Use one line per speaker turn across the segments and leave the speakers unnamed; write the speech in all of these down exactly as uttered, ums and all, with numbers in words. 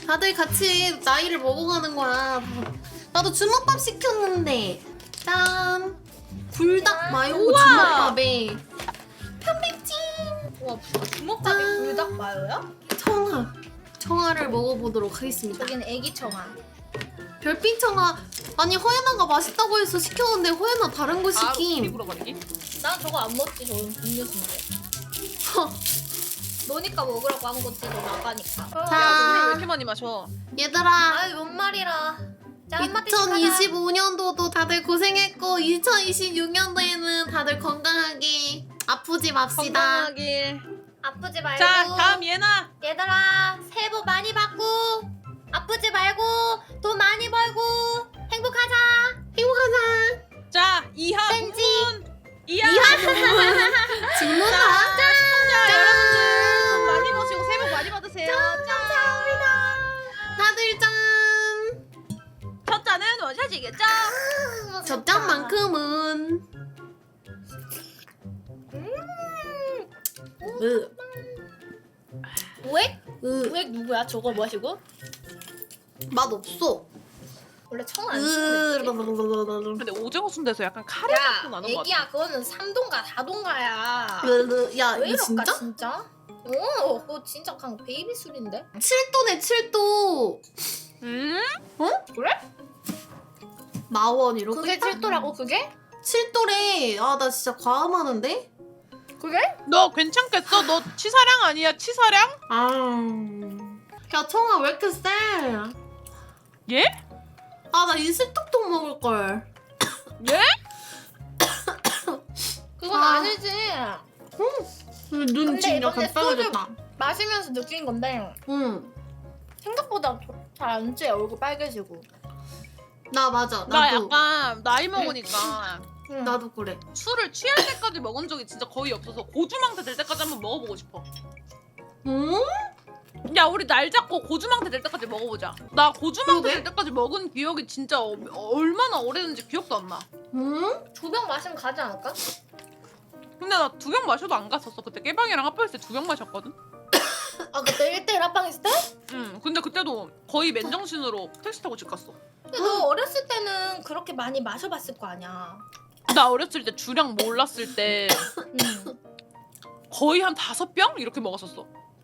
다들 같이 나이를 먹어가는 거야. 나도 주먹밥 시켰는데 짠! 불닭 마요 주먹밥에 편백찜!
와 주먹밥이 불닭 마요야?
청아 청아를 먹어보도록 하겠습니다.
여기는 애기 청아.
별빛 청아 아니 허연아가 맛있다고 해서 시켰는데 허연아 다른 거
바로
시킴.
입으로 버리기?
난 저거 안 먹지. 저건 음료수인데.
허,
너니까 먹으라고 한 거지. 너 나가니까.
자.
야 물을 왜 이렇게 많이 마셔?
얘들아
아이 뭔 말이라. 자 한마디씩 하자.
이천이십오 년도도 다들 고생했고 이천이십육 년도에는 다들 건강하게 아프지 맙시다.
건강하길.
아프지 말고.
자 다음 예나.
얘들아 새해 복 많이 받고 아프지 말고 돈 많이 벌고 행복하자.
행복하자.
자 이하
땡지.
문문. 이하.
질문아.
자 시청자 여러분들 돈 많이 버시고 새해 복 많이 받으세요.
감사합니다.
다들 짠.
첫 잔은 원샷이겠죠?
저 짠만큼은. 으.
우액?
으.
우액 누구야? 저거 마시고?
맛 없어.
원래 청 안 쓰는데.
으.
근데 오징어 순대에서 약간 카레
야
맛도 나는 것 같아.
애기야 그거는 삼동가 사동가야.
야
왜
이거
이럴까
진짜?
진짜? 어 그거 진짜 그냥 베이비 술인데?
칠 도네 칠 도.
음?
그래?
마원 이러고
그게
있다?
칠도라고 그게?
칠 도래. 아 나 진짜 과음하는데?
그게?
너 괜찮겠어? 너 치사량 아니야? 치사량?
아. 야 청아 왜 이렇게 세?
예?
아 나 이슬톡톡 먹을 걸.
예?
그건
아.
아니지.
눈
근데
지금
이번에
약간 빨개졌다.
마시면서 느낀 건데
응.
생각보다 잘 안 찌. 얼굴 빨개지고.
나 맞아.
나
나도.
약간 나이 먹으니까
응.
나도 그래.
술을 취할 때까지 먹은 적이 진짜 거의 없어서 고주망태 될 때까지 한번 먹어보고 싶어.
응?
야 우리 날 잡고 고주망태 될 때까지 먹어보자. 나 고주망태
그러게?
될 때까지 먹은 기억이 진짜 어, 얼마나 오래됐는지 기억도 안 나.
응?
두 병 마시면 가지 않을까?
근데 나 두 병 마셔도 안 갔었어. 그때 깨방이랑 합방했을 때 두 병 마셨거든.
아 그때 일 대일 합방 했을 때?
응. 근데 그때도 거의 맨정신으로 택시 타고 집 갔어.
근데 너 어렸을 때는 그렇게 많이 마셔봤을 거 아니야.
나 어렸을 때 주량 몰랐을 때
응.
거의 한 다섯 병 이렇게 먹었었어.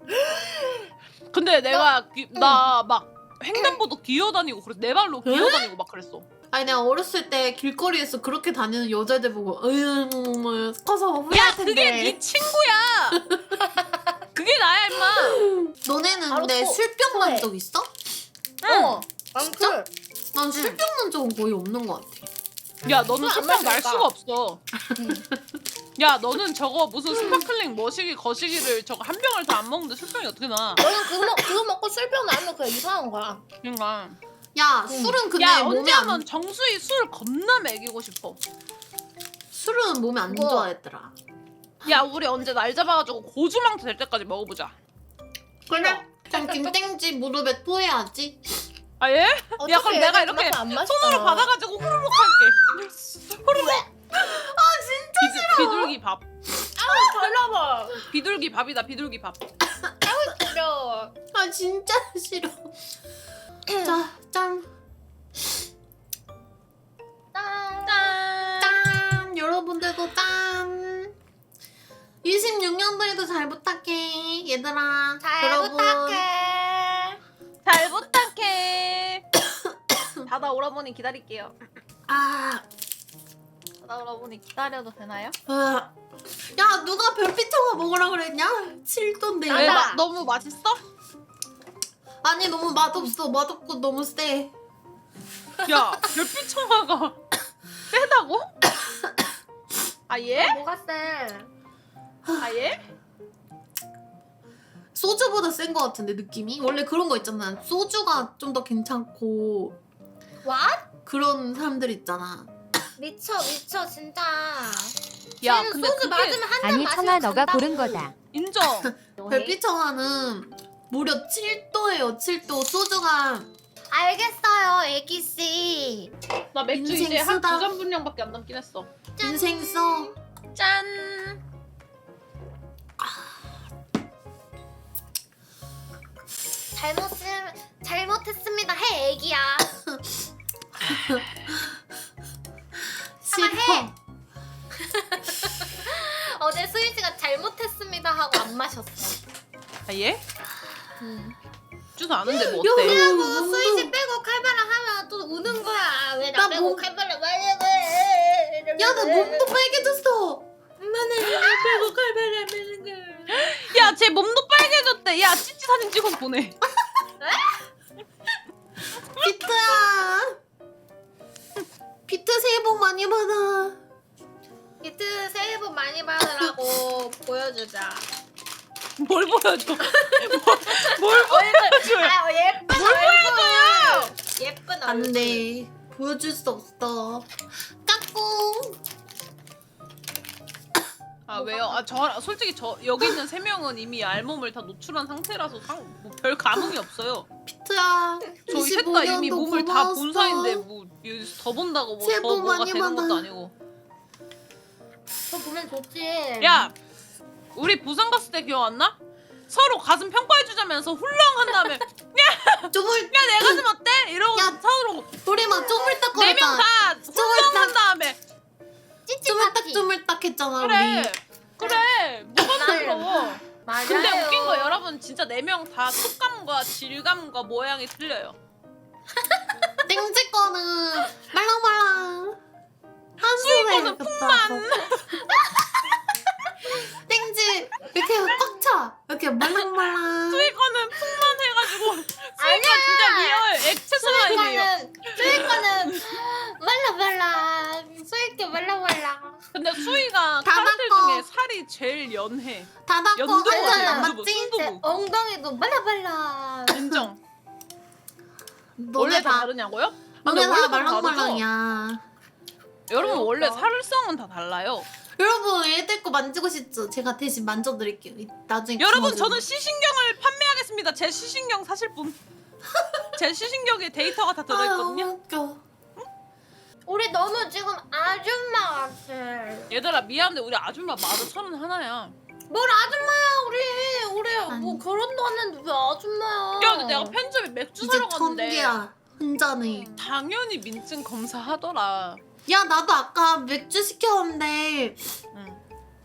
근데 내가 나 막 횡단보도 기어다니고 그래서 내 발로 기어다니고 막 그랬어.
아니 내가 어렸을 때 길거리에서 그렇게 다니는 여자애들 보고 으유 뭐 커서
야
후회할 텐데.
그게 네 친구야. 그게 나야 임마.
너네는
바로
근데
또
술병
후회.
난 적 있어?
어. 아무튼
난 술병 난 적은 거의 없는 것 같아.
야 너는
술안
술병 날
마시니까.
수가 없어.
응.
야 너는 저거 무슨 스파클링 머시기 거시기를 저거 한 병을 다 안 먹는데 술병이 어떻게 나?
너는 그거, 먹- 그거 먹고 술병 나면 그냥 이상한 거야.
그러니까.
야
응.
술은 근데
야
몸에
언제
안
한번 정수희 술 겁나 먹이고 싶어.
술은 몸에 안
그거.
좋아했더라.
야 우리 언제 날 잡아가지고 고주망태 될 때까지 먹어보자.
그래? 그럼 김땡지 무릎에 토해야지.
아 예? 야 그럼 내가
얘는
이렇게
그만큼 안 마시잖아.
손으로 받아가지고 후루룩 할게. 후루룩. 아 진짜 싫어. 비둘기 밥.
아우 발라봐.
비둘기 밥이다 비둘기 밥.
싫어.
아 진짜 싫어. 자, 짠.
짠.
짠.
짠. 여러분들도 짠. 이십육 년도에도 잘 부탁해. 얘들아.
잘
여러분.
부탁해.
잘 부탁해. 다다 오라버니 기다릴게요.
아.
다다 오라버니 기다려도 되나요?
아. 야, 누가 별빛 청아 먹으라 그랬냐? 칠 도인데.
왜
나다.
마, 너무 맛있어?
아니, 너무 맛없어. 맛없고 너무 세.
야 별빛 청아가 세다고? 아 예?
뭐가 세?
아 예?
소주보다 센 거 같은데, 느낌이? 원래 그런 거 있잖아. 소주가 좀 더 괜찮고
What?
그런 사람들 있잖아.
미쳐 미쳐 진짜.
야
쟤는
근데
소주
그게
맞으면 한 잔
아니
마시면
청아 너가
간다고.
고른 거다.
인정.
별빛 청아는 무려 칠 도예요, 칠 도. 소주가
알겠어요 애기씨.
나 맥주
인생
이제 한
쓰다.
두 잔 분량밖에 안 남긴 했어.
인생 써.
짠.
잘못 쓰면 잘
싫어.
어제 수희씨가 잘못했습니다 하고 안 마셨어.
아 얘?
응.
주소 아는데 뭐
야,
어때?
그리고
몸도-
수희씨 빼고 칼바람 하면 또 우는 거야. 왜
나
나 빼고
몸-
칼바람 말려고 해.
야, 나 몸도 빨개졌어.
엄마는 왜 빼고 칼바람 하는 거야.
야, 쟤 몸도 빨개졌대. 야, 찌찌 사진 찍어서 보내.
비트야. 비트 새해 복 많이 받아.
비트 새해 복 많이 받으라고 보여주자.
뭘 보여줘? 뭘, 뭘 보여줘?
아 예쁜
뭘
얼굴. 예쁜 얼굴.
안 돼. 보여줄 수 없어. 까꿍.
아 왜요? 아 저 솔직히 저 여기 있는 세 명은 이미 알몸을 다 노출한 상태라서 뭐 별 감흥이 없어요.
비트야.
저희 셋 다 이미
이십오 년도
몸을 다 본
고마웠어.
사이인데 뭐 여기서 더 본다고 뭐
새해
더
복
뭐가
많이
되는 것도
받아.
아니고.
저 보면 좋지.
야, 우리 부산 갔을 때 기억 안 나? 서로 가슴 평가해주자면서 훌렁한 다음에
쪼물.
야 내 가슴 어때? 이러고
야,
서로
우리 막 쪼물딱
네 명
거렸잖아.
다 훌렁한 다음에
찌찌
쪼물딱
파티.
쪼물딱 했잖아
그래
우리.
그래 뭐가
맞아요.
부끄러워.
맞아요.
근데 웃긴 거 여러분 진짜 네 명 다 촉감과 질감과 모양이 틀려요.
땡지 거는 말랑말랑.
수희
한숨에
거는 풍만.
땡지 이렇게 꽉 차. 이렇게 말랑말랑.
수희 거는 풍만 해가지고 수희
아니야.
거 진짜 리얼 액체 슬라임이에요.
수익과는 수익과는 말라말라. 수익게 말라말라.
근데 수희가
다
사람들
닦어.
중에 살이 제일 연해.
다 닦고
연두부
한잔
같아,
안
연두부.
맞지?
순두부.
제 엉덩이도 말라말라.
인정.
너네
원래 다
다
다르냐고요?
너네 다
원래 다 다르죠?
말랑말랑이야.
여러분 원래
그러니까.
살성은 다 달라요.
여러분 애들 거 만지고 싶죠? 제가 대신 만져드릴게요. 이- 나중에
여러분
구워주고.
저는 시신경을 판매하겠습니다. 제 시신경 사실 분. 제 시신경에 데이터가 다
아유,
들어있거든요.
웃겨.
우리 너무 지금 아줌마 같아.
얘들아 미안한데 우리 아줌마 마흔 서른 하나야.
뭘 아줌마야 우리 우리 뭐
아니.
결혼도 안 했는데 왜 아줌마야?
야 근데 내가 편집에 맥주
이제
사러 갔는데
천개야. 혼자네.
당연히 민증 검사하더라.
야 나도 아까 맥주 시켰는데
응.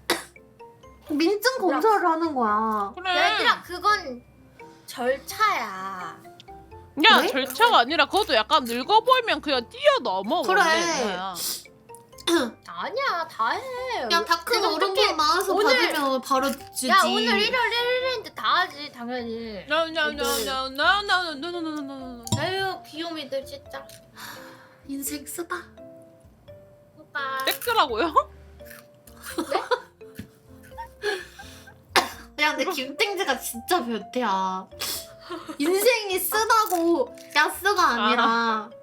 민증 검사를 하는 거야.
그래.
얘들아 그건 절차야.
야
그래?
절차가 아니라 그것도 약간 늙어 보이면 그냥 뛰어넘어.
그래.
원래. 그거야.
아니야 다 해.
야 다 큰
지금
어른분
특히
나와서
오늘-
받으면 바로 주지.
야 오늘 일월 일일인데 다 하지 당연히.
노노노노노노노노노노노노.
아유 귀요미들 진짜.
인생 쓰다.
오빠.
땡크라고요?
야 근데 김땡지가 진짜 변태야. 인생이 쓰다고 야스가 아니라